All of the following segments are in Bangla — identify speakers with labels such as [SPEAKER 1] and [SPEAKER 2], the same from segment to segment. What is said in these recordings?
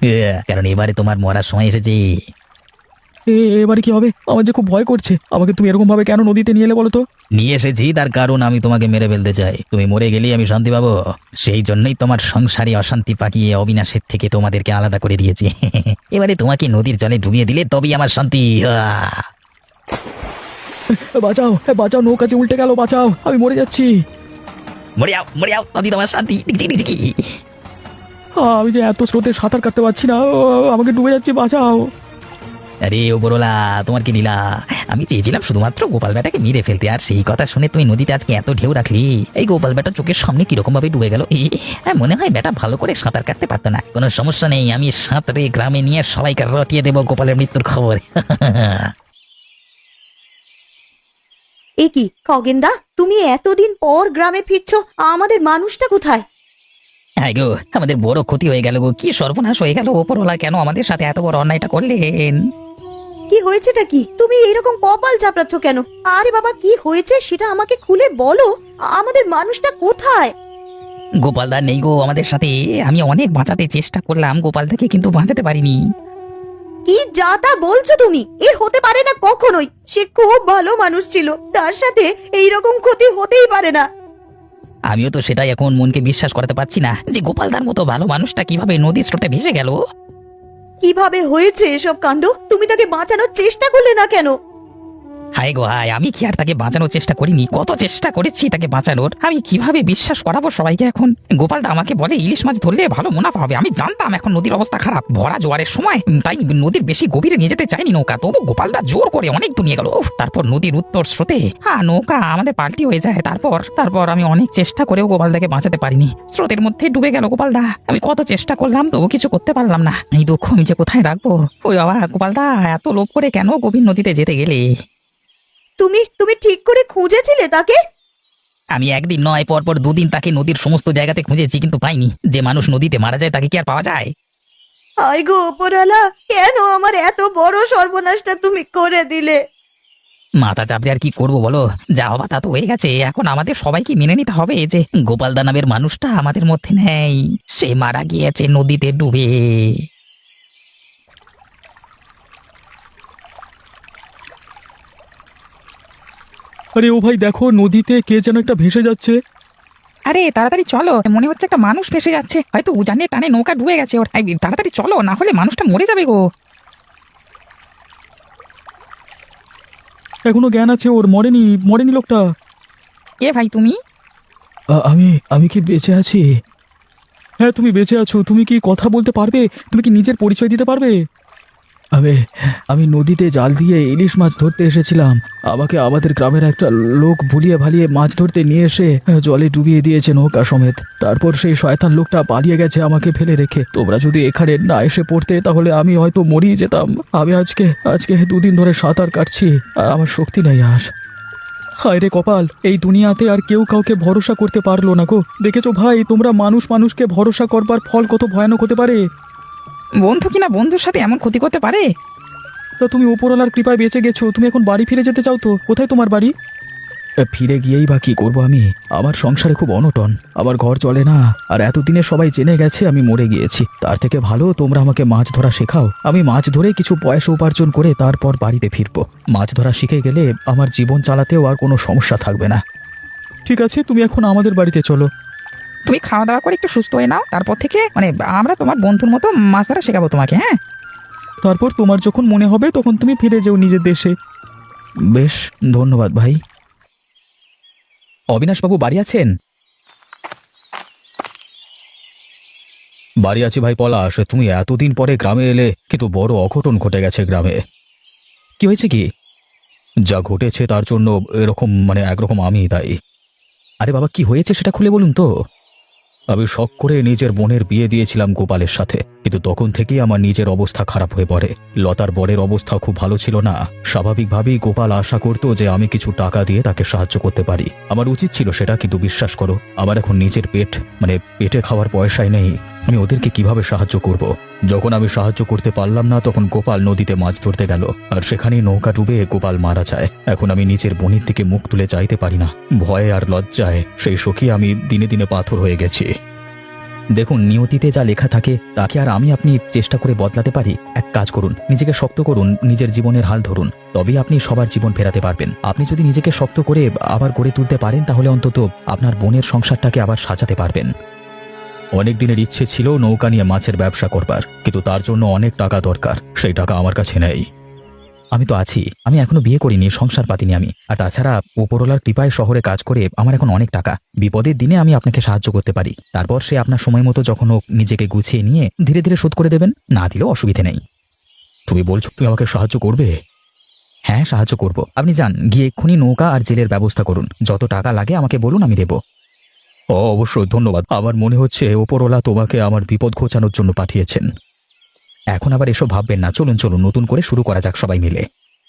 [SPEAKER 1] কারণ এবারে তোমার মরার সময় এসেছে।
[SPEAKER 2] এবারে কি হবে? আমার যে খুব ভয় করছে। আমাকে তুমি এরকম ভাবে কেন নদীতে নিয়ে এলে বলো তো?
[SPEAKER 1] নিয়ে এসেছি তার কারণ আমি তোমাকে মেরে ফেলতে চাই, তুমি মরে গেলেই আমি শান্তি পাবো। সেই জন্যই তোমার সংসারে অশান্তি পাকিয়ে অবিনাশের থেকে তোমাদেরকে আলাদা করে দিয়েছি। এবারে তোমাকে নদীর জলে ডুবিয়ে দিলে তবেই আমার শান্তি।
[SPEAKER 2] বাঁচাও, বাঁচাও, নৌকা যে উল্টে গেল, বাঁচাও, আমি মরে যাচ্ছি।
[SPEAKER 1] মরে যাও, মরে যাও, নদী তোমার শান্তি।
[SPEAKER 2] আমি যে এত স্রোতে সাঁতার কাটতে পারছি না, আমাকে ডুবে যাচ্ছি, বাঁচাও।
[SPEAKER 1] আরে ওপরওয়ালা, তোমার কি লীলা? আমি চেয়েছিলাম শুধুমাত্র গোপাল বেটাকে মেরে ফেলতে, আর সেই কথা শুনে তুমি নদীতে আজকে এত ঢেউ রাখলি। এই গোপাল বেটা চোখের সামনে কিরকম ভাবে ডুবে গেল। মনে হয় বেটা ভালো করে সাঁতার কাটতে পারতো না। কোনো সমস্যা নেই, আমি সাঁতরে গ্রামে নিয়ে সবাইকে রটিয়ে দেবো গোপালের মৃত্যুর খবর।
[SPEAKER 3] এ কি খগেনদা, তুমি এতদিন পর গ্রামে ফিরছো, আমাদের মানুষটা কোথায়?
[SPEAKER 1] হ্যাঁ গো, আমাদের বড় ক্ষতি হয়ে গেল গো, কি সর্বনাশ হয়ে গেল। ওপরওয়ালা কেন আমাদের সাথে এত বড় অন্যায়টা করলেন?
[SPEAKER 3] কি হয়েছেটা কি? তুমি এরকম কপাল চাপড়াচ্ছ কেন? আরে বাবা, কি হয়েছে সেটা আমাকে খুলে বলো। আমাদের মানুষটা কোথায়?
[SPEAKER 1] গোপালদা নেই গো আমাদের সাথে। আমি অনেক বাঁচাতে চেষ্টা করলাম গোপালদাকে, কিন্তু বাঁচাতে পারিনি।
[SPEAKER 3] কি যা তা বলছো তুমি? এ হতে পারে না কখনোই। সে খুব ভালো মানুষ ছিল, তার সাথে এইরকম ক্ষতি হতেই পারে না।
[SPEAKER 1] আমিও তো সেটাই এখন মনকে বিশ্বাস করাতে পারছি না, যে গোপালদার মতো ভালো মানুষটা কিভাবে নদীর স্রোতে ভেসে গেল।
[SPEAKER 3] কিভাবে হয়েছে এসব কাণ্ড? তুমি তাকে বাঁচানোর চেষ্টা করলে না কেন?
[SPEAKER 1] হায় গো হায়, আমি কি আর তাকে বাঁচানোর চেষ্টা করিনি? কত চেষ্টা করেছি তাকে বাঁচানোর। আমি কিভাবে বিশ্বাস করাবো সবাইকে এখন? গোপালদা আমাকে বলে ইলিশ মাছ ধরলে ভালো মুনাফা হবে। আমি জানতাম এখন নদীর অবস্থা খারাপ, ভরা জোয়ারের সময়, তাই নদীর বেশি গভীরে নিয়ে যেতে চাইনি নৌকা। তবু গোপালদা জোর করে অনেক দূর নিয়ে গেল। তারপর নদীর উত্তর স্রোতে নৌকা আমাদের পাল্টি হয়ে যায়। তারপর আমি অনেক চেষ্টা করেও গোপালদাকে বাঁচাতে পারিনি। স্রোতের মধ্যে ডুবে গেল গোপালদা। আমি কত চেষ্টা করলাম, তবু কিছু করতে পারলাম না। এই দুঃখ আমি যে কোথায় রাখবো? ওই বাবা, গোপালদা এত লোভ করে কেন গভীর নদীতে যেতে গেলে?
[SPEAKER 3] তুমি ঠিক করে খুঁজেছিলে তাকে?
[SPEAKER 1] আমি একদিন নয়, পরপর দুদিন তাকে নদীর সমস্ত জায়গাতে খুঁজেছি, কিন্তু পাইনি। যে মানুষ নদীতে মারা যায় তাকে কি আর পাওয়া যায়?
[SPEAKER 3] হায় গো ওপরওয়ালা, কেন আমার এত বড় সর্বনাশটা তুমি করে দিলে?
[SPEAKER 1] মাথা চাপড়ে আর কি করবো বলো? যা হবা তা তো হয়ে গেছে। এখন আমাদের সবাইকে মেনে নিতে হবে যে গোপালদা নামের মানুষটা আমাদের মধ্যে নেই। সে মারা গিয়েছে নদীতে ডুবে।
[SPEAKER 2] আরে ও ভাই, দেখো নদীতে কে যেন একটা ভেসে যাচ্ছে।
[SPEAKER 4] আরে তাড়াতাড়ি চলো, মনে হচ্ছে একটা মানুষ ভেসে যাচ্ছে, হয়তো উজানে টানে নৌকা ডুবে গেছে ওর। এই, তাড়াতাড়ি চলো, না হলে মানুষটা মরে যাবে গো।
[SPEAKER 2] এখনো জ্ঞান আছে ওর, মরেনি, মরেনি লোকটা।
[SPEAKER 4] কে ভাই তুমি?
[SPEAKER 2] আমি আমি কি বেঁচে আছি? হ্যাঁ, তুমি বেঁচে আছো। তুমি কি কথা বলতে পারবে? তুমি কি নিজের পরিচয় দিতে পারবে? আমি আমি নদীতে জাল দিয়ে ইলিশ মাছ ধরতে এসেছিলাম। আমাকে আমাদের গ্রামের একটা লোক ভুলিয়ে ভালিয়ে মাছ ধরতে নিয়ে এসে জলে ডুবিয়ে দিয়েছে নৌকা সমেত। তারপর সেই শয়তান লোকটা পালিয়ে গেছে আমাকে ফেলে রেখে। তোমরা যদি এখানে না এসে পড়তে তাহলে আমি হয়তো মরিয়ে যেতাম। আমি আজকে 2 দিন ধরে সাঁতার কাটছি, আর আমার শক্তি নেই আজ। হায় রে কপাল, এই দুনিয়াতে আর কেউ কাউকে ভরসা করতে পারলো না গো। দেখেছো ভাই, তোমরা মানুষকে ভরসা করবার ফল কত ভয়ানক হতে পারে।
[SPEAKER 4] বন্ধু কিনা বন্ধুর সাথে এমন ক্ষতি করতে পারে?
[SPEAKER 2] তা তুমি উপরওয়ালার কৃপায় বেঁচে গেছো। তুমি এখন বাড়ি ফিরে যেতে চাও তো? কোথায় তোমার বাড়ি? ফিরে গিয়েই বা কি করবো আমি? আমার সংসারে খুব অনটন, আমার ঘর চলে না। আর এতদিনে সবাই জেনে গেছে আমি মরে গিয়েছি। তার থেকে ভালো তোমরা আমাকে মাছ ধরা শেখাও। আমি মাছ ধরে কিছু পয়সা উপার্জন করে তারপর বাড়িতে ফিরবো। মাছ ধরা শিখে গেলে আমার জীবন চালাতেও আর কোনো সমস্যা থাকবে না। ঠিক আছে, তুমি এখন আমাদের বাড়িতে চলো।
[SPEAKER 4] তুমি খাওয়া দাওয়া করে একটু সুস্থ হয়ে নাও, তারপর থেকে আমরা তোমার বন্ধুর মতো মাছ ধরা শেখাবো তোমাকে। হ্যাঁ,
[SPEAKER 2] তারপর তোমার যখন মনে হবে তখন তুমি ফিরে যেও নিজের দেশে। বেশ, ধন্যবাদ ভাই।
[SPEAKER 1] অবিনাশবাবু বাড়ি আছেন?
[SPEAKER 2] বাড়ি আছি ভাই পলাশ। তুমি এতদিন পরে গ্রামে এলে, কিন্তু বড় অঘটন ঘটে গেছে গ্রামে।
[SPEAKER 1] কি হয়েছে কি?
[SPEAKER 2] যা ঘটেছে তার জন্য এরকম একরকম আমি দায়ী।
[SPEAKER 1] আরে বাবা, কি হয়েছে সেটা খুলে বলুন তো।
[SPEAKER 2] আমি শখ করে নিজের বোনের বিয়ে দিয়েছিলাম গোপালের সাথে, কিন্তু তখন থেকেই আমার নিজের অবস্থা খারাপ হয়ে পড়ে। লতার বরের অবস্থা খুব ভালো ছিল না। স্বাভাবিকভাবেই গোপাল আশা করতো যে আমি কিছু টাকা দিয়ে তাকে সাহায্য করতে পারি। আমার উচিত ছিল সেটা, কিন্তু বিশ্বাস করো, আমার এখন নিজের পেটে খাওয়ার পয়সাই নেই। আমি ওদেরকে কিভাবে সাহায্য করব? যখন আমি সাহায্য করতে পারলাম না, তখন গোপাল নদীতে মাছ ধরতে গেল, আর সেখানেই নৌকা ডুবে গোপাল মারা যায়। এখন আমি নিজের বোনের দিকে মুখ তুলে চাইতে পারি না। ভয়ে আর লজ্জায় সেই সখী আমি দিনে দিনে পাথর হয়ে গেছি। দেখুন, নিয়তিতে যা লেখা থাকে তাকে আর আমি আপনি চেষ্টা করে বদলাতে পারি? এক কাজ করুন, নিজেকে শক্ত করুন, নিজের জীবনের হাল ধরুন, তবেই আপনি সবার জীবন ফেরাতে পারবেন। আপনি যদি নিজেকে শক্ত করে আবার গড়ে তুলতে পারেন তাহলে অন্তত আপনার বোনের সংসারটাকে আবার সাজাতে পারবেন। অনেক দিনের ইচ্ছে ছিল নৌকা নিয়ে মাছের ব্যবসা করবার, কিন্তু তার জন্য অনেক টাকা দরকার, সেই টাকা আমার কাছে নেই। আমি তো আছি, আমি এখনো বিয়ে করিনি, সংসার পাতিনি আমি। আর তাছাড়া উপরওয়ালার কৃপায় শহরে কাজ করে আমার এখন অনেক টাকা। বিপদের দিনে আমি আপনাকে সাহায্য করতে পারি, তারপর সে আপনার সময় মতো যখন হোক নিজেকে গুছিয়ে নিয়ে ধীরে ধীরে শোধ করে দেবেন, না দিলেও অসুবিধে নেই। তুমি বলছো তুমি আমাকে সাহায্য করবে? হ্যাঁ, সাহায্য করব। আপনি যান, গিয়ে এক্ষুনি নৌকা আর জেলের ব্যবস্থা করুন। যত টাকা লাগে আমাকে বলুন, আমি দেব। ও অবশ্যই, ধন্যবাদ। আমার মনে হচ্ছে ওপরওয়ালা তোমাকে আমার বিপদ ঘোচানোর জন্য পাঠিয়েছেন। এখন আবার এসব ভাববেন না, চলুন চলুন, নতুন করে শুরু করা যাক সবাই মিলে।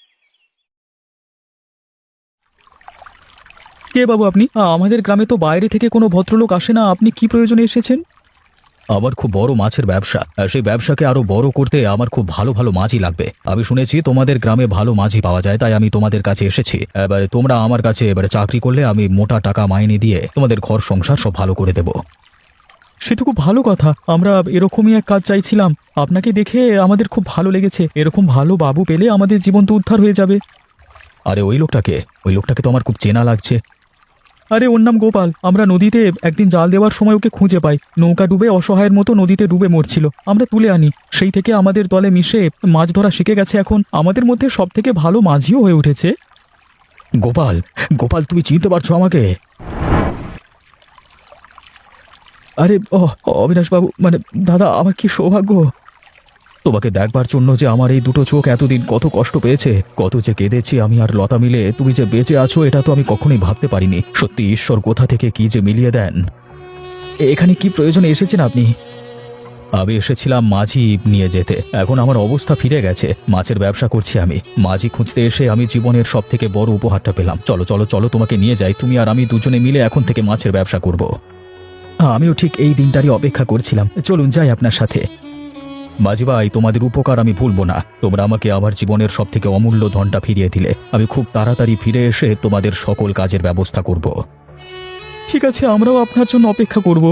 [SPEAKER 2] কে বাবু আপনি? আমাদের গ্রামে তো বাইরে থেকে কোনো ভদ্রলোক আসে না, আপনি কি প্রয়োজনে এসেছেন? আমার খুব বড় মাছের ব্যবসা, সেই ব্যবসাকে আরো বড় করতে আমার খুব ভালো ভালো মাছই লাগবে। আমি শুনেছি তোমাদের গ্রামে ভালো মাছই পাওয়া যায়, তাই আমি তোমাদের কাছে এসেছি। এবারে তোমরা আমার কাছে এবারে চাকরি করলে আমি মোটা টাকা মাইনে দিয়ে তোমাদের ঘর সংসার সব ভালো করে দেব। সে তো খুব ভালো কথা, আমরা এরকমই এক কাজ চাইছিলাম। আপনাকে দেখে আমাদের খুব ভালো লেগেছে। এরকম ভালো বাবু পেলে আমাদের জীবন তো উদ্ধার হয়ে যাবে। আরে ওই লোকটাকে তো আমার খুব চেনা লাগছে। আরে ওর নাম গোপাল। আমরা নদীতে একদিন জাল দেওয়ার সময় ওকে খুঁজে পাই, নৌকা ডুবে অসহায়ের মতো নদীতে ডুবে মরছিল। আমরা তুলে আনি, সেই থেকে আমাদের দলে মিশে মাছ ধরা শিখে গেছে। এখন আমাদের মধ্যে সব থেকে ভালো মাঝিও হয়ে উঠেছে। গোপাল, গোপাল তুমি চিনতে পারছো আমাকে? আরে অবিনাশ বাবু, মানে দাদা, আমার কি সৌভাগ্য তোমাকে দেখবার জন্য, যে আমার এই দুটো চোখ এতদিন কত কষ্ট পেয়েছে, কত যে কেঁদেছি আমি আর লতা মিলে। তুমি যে বেঁচে আছো এটা তো আমি কখনোই ভাবতে পারিনি। সত্যি ঈশ্বর কোথা থেকে কি যে মিলিয়ে দেন। এখানে কি প্রয়োজনে এসেছেন আপনি? আমি এসেছিলাম মাঝি নিয়ে যেতে। এখন আমার অবস্থা ফিরে গেছে, মাছের ব্যবসা করছি আমি। মাঝি খুঁজতে এসে আমি জীবনের সব থেকে বড় উপহারটা পেলাম। চলো চলো চলো, তোমাকে নিয়ে যাই। তুমি আর আমি দুজনে মিলে এখন থেকে মাছের ব্যবসা করব। আমিও ঠিক এই দিনটারই অপেক্ষা করছিলাম। চলুন যাই আপনার সাথে। মাঝি ভাই, তোমাদের উপকার আমি ভুলবো না। তোমরা আমাকে আমার জীবনের সব থেকে অমূল্য ধনটা ফিরিয়ে দিলে। আমি খুব তাড়াতাড়ি ফিরে এসে তোমাদের সকল কাজের ব্যবস্থা করব। ঠিক আছে, আমরাও আপনার জন্য অপেক্ষা করব।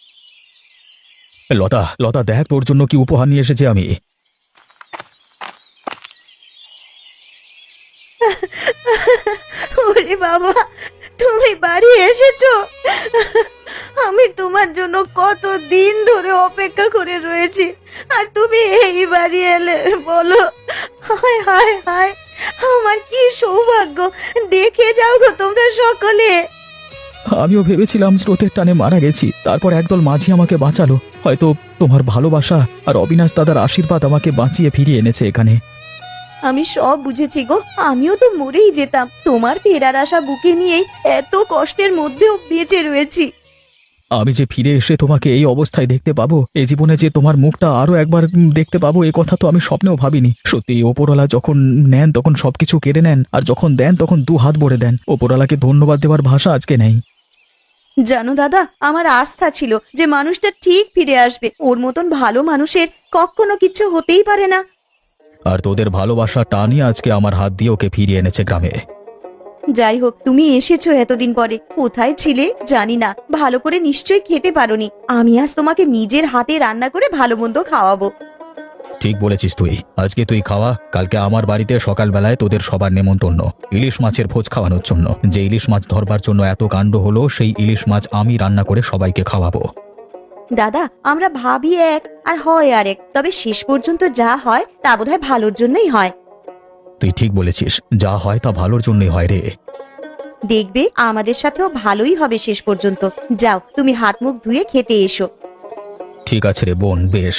[SPEAKER 2] লতা, লতা দেখ তোর জন্য কি উপহার নিয়ে এসেছি আমি।
[SPEAKER 3] ওরে বাবা, তুমি বাড়ি এসেছো? আমি তোমার জন্য কত দিন ধরে অপেক্ষা করে রয়েছি, আর তুমি এই বাড়ি এলে? বলো, হায় হায় হায়, আমার কি সৌভাগ্য। দেখে যাও গো তোমরা সকলে।
[SPEAKER 2] আমিও ভেবেছিলাম স্রোতের টানে মারা গেছি, তারপর একদল মাঝি আমাকে বাঁচালো। হয়তো তোমার ভালোবাসা আর অবিনাশ দাদার আশীর্বাদ আমাকে বাঁচিয়ে ফিরিয়ে এনেছে এখানে।
[SPEAKER 3] আমি সব বুঝেছি গো, আমিও তো মরেই যেতাম। তোমার ফেরার আশা বুকে নিয়েই এত কষ্টের মধ্যেও বেঁচে রয়েছি।
[SPEAKER 2] আমি যে ফিরে এসে তোমাকে এই অবস্থায় দেখতে পাবো, এই জীবনে যে তোমার মুখটা আরো একবার দেখতে পাবো, এ কথা তো আমি স্বপ্নেও ভাবিনি। সত্যি ওপরওয়ালা যখন নেন তখন সবকিছু কেড়ে নেন, আর যখন দেন তখন দু হাত ভরে দেন। ওপরওয়ালাকে ধন্যবাদ দেওয়ার ভাষা আজকে নেই।
[SPEAKER 3] জানো দাদা, আমার আস্থা ছিল যে মানুষটা ঠিক ফিরে আসবে। ওর মতন ভালো মানুষের কখনো কিছু হতেই পারে না।
[SPEAKER 2] আর তোদের ভালোবাসা টানই আজকে আমার হাত দিয়ে ওকে ফিরিয়ে এনেছে গ্রামে।
[SPEAKER 3] যাই হোক, তুমি এসেছো এতদিন পরে। কোথায় ছিলে জানি না, ভালো করে নিশ্চয়ই খেতে পারোনি। আমি আজ তোমাকে নিজের হাতে রান্না করে ভালো মন্দ খাওয়াবো।
[SPEAKER 2] ঠিক বলেছিস তুই। আজকে তুই খাওয়া, কালকে আমার বাড়িতে সকালবেলায় তোদের সবার নেমন্তন্ন, ইলিশ মাছের ভোজ খাওয়ানোর জন্য। যে ইলিশ মাছ ধরবার জন্য এত কাণ্ড হলো, সেই ইলিশ মাছ আমি রান্না করে সবাইকে খাওয়াবো।
[SPEAKER 3] দাদা, আমরা ভাবি এক আর হয় আরেক, তবে শেষ পর্যন্ত যা হয় তা বোধহয় ভালোর জন্যই হয়।
[SPEAKER 2] তুই ঠিক বলেছিস, যা হয় তা ভালোর জন্যই হয় রে।
[SPEAKER 3] দেখবে আমাদের সাথেও ভালোই হবে শেষ পর্যন্ত। যাও, তুমি হাত মুখ ধুয়ে খেতে এসো।
[SPEAKER 2] ঠিক আছে রে বোন, বেশ।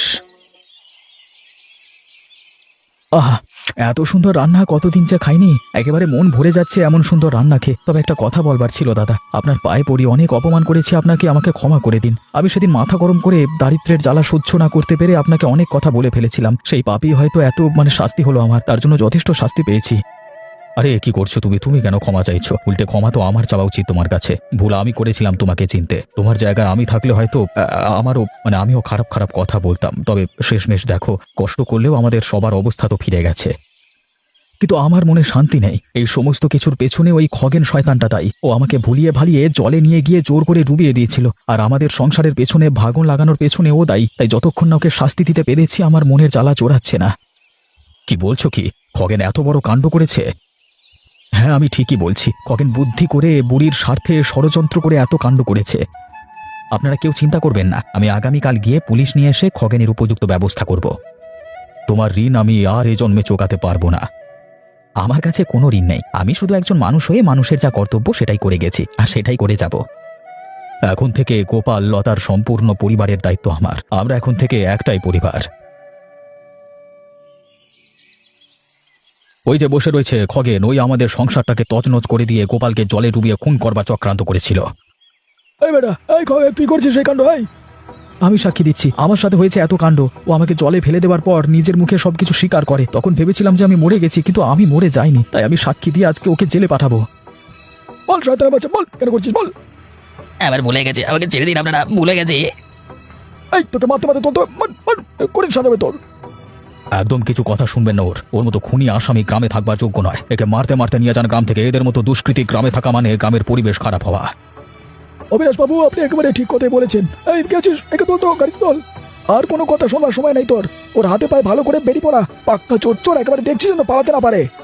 [SPEAKER 2] আহা, এত সুন্দর রান্না কতদিন যে খাইনি। একেবারে মন ভরে যাচ্ছে এমন সুন্দর রান্না খেয়ে। তবে একটা কথা বলবার ছিল দাদা, আপনার পায়ে পড়ি, অনেক অপমান করেছি আপনাকে, আমাকে ক্ষমা করে দিন। আমি সেদিন মাথা গরম করে দারিদ্র্যের জ্বালা সহ্য না করতে পেরে আপনাকে অনেক কথা বলে ফেলেছিলাম। সেই পাপই হয়তো এত শাস্তি হলো আমার, তার জন্য যথেষ্ট শাস্তি পেয়েছি। আরে কি করছো তুমি? তুমি কেন ক্ষমা চাইছো? উল্টে ক্ষমা তো আমার চাওয়া উচিত তোমার কাছে। ভুল আমি করেছিলাম তোমাকে চিনতে। তোমার জায়গায় আমি থাকলে হয়তো আমারও আমিও খারাপ খারাপ কথা বলতাম। তবে শেষমেশ দেখো, কষ্ট করলেও আমাদের সবার অবস্থা তো ফিরে গেছে। কিন্তু আমার মনে শান্তি নেই। এই সমস্ত কিছুর পেছনে ওই খগেন শয়তানটা দায়ী। ও আমাকে ভুলিয়ে ভালিয়ে জলে নিয়ে গিয়ে জোর করে ডুবিয়ে দিয়েছিল, আর আমাদের সংসারের পেছনে ভাগন লাগানোর পেছনে ও দায়ী। তাই যতক্ষণ না ওকে শাস্তি দিতে পেরেছি আমার মনের জ্বালা চড়াচ্ছে না। কি বলছো কি? খগেন এত বড় কাণ্ড করেছে? হ্যাঁ, আমি ঠিকই বলছি। খগেন বুদ্ধি করে বুড়ির স্বার্থে ষড়যন্ত্র করে এত কাণ্ড করেছে। আপনারা কেউ চিন্তা করবেন না, আমি আগামীকাল গিয়ে পুলিশ নিয়ে এসে খগেনের উপযুক্ত ব্যবস্থা করব। তোমার ঋণ আমি আর এ জন্মে চোকাতে পারবো না। আমার কাছে কোনো ঋণ নেই, আমি শুধু একজন মানুষ হয়ে মানুষের যা কর্তব্য সেটাই করে গেছি, আর সেটাই করে যাব। এখন থেকে গোপাল লতার সম্পূর্ণ পরিবারের দায়িত্ব আমার। আমরা এখন থেকে একটাই পরিবার। ওই যে বসে রয়েছে খগেন, ওই আমাদের সংসারটাকে তছনছ করে দিয়ে গোপালকে জলে ডুবিয়ে খুন করবার চক্রান্ত করেছিল। এই বেটা, এই খগেন, তুই করছিস এই কাণ্ড? আমি সাক্ষী দিচ্ছি, আমার সাথে হয়েছে এত কাণ্ড। ও আমাকে জলে ফেলে দেওয়ার পর নিজের মুখে সবকিছু স্বীকার করে। তখন ভেবেছিলাম যে আমি মরে গেছি, কিন্তু আমি মরে যাইনি। তাই আমি সাক্ষী দিয়ে আজকে ওকে জেলে পাঠাবো। বল শয়তানের বাচ্চা, বল কেন করছিস, বল।
[SPEAKER 1] এবার ভুলে গেছে, আমাকে ছেড়ে দিন আপনারা, ভুলে গেছে।
[SPEAKER 2] এই তোকে মারতে মারতে তোর করে সাজাবে তোর। একদম কিছু কথা শুনবেন না। ওর মতো খুনি আসামি গ্রামে থাকবার যোগ্য নয়। একে মারতে মারতে নিয়ে যান গ্রাম থেকে। এদের মতো দুষ্কৃতী গ্রামে থাকা মানে গ্রামের পরিবেশ খারাপ হওয়া। অবিনাশ বাবু, আপনি একেবারে ঠিক কথাই বলেছেন। এই গেছিস, একে তোল তো, গাড়ি তোল। আর কোনো কথা শোনবার সময় নাই তোর। ওর হাতে পায়ে ভালো করে বেরিয়ে পড়া। পাক্কা চোর চোর, একেবারে দেখছিস না পালাতে না পারে।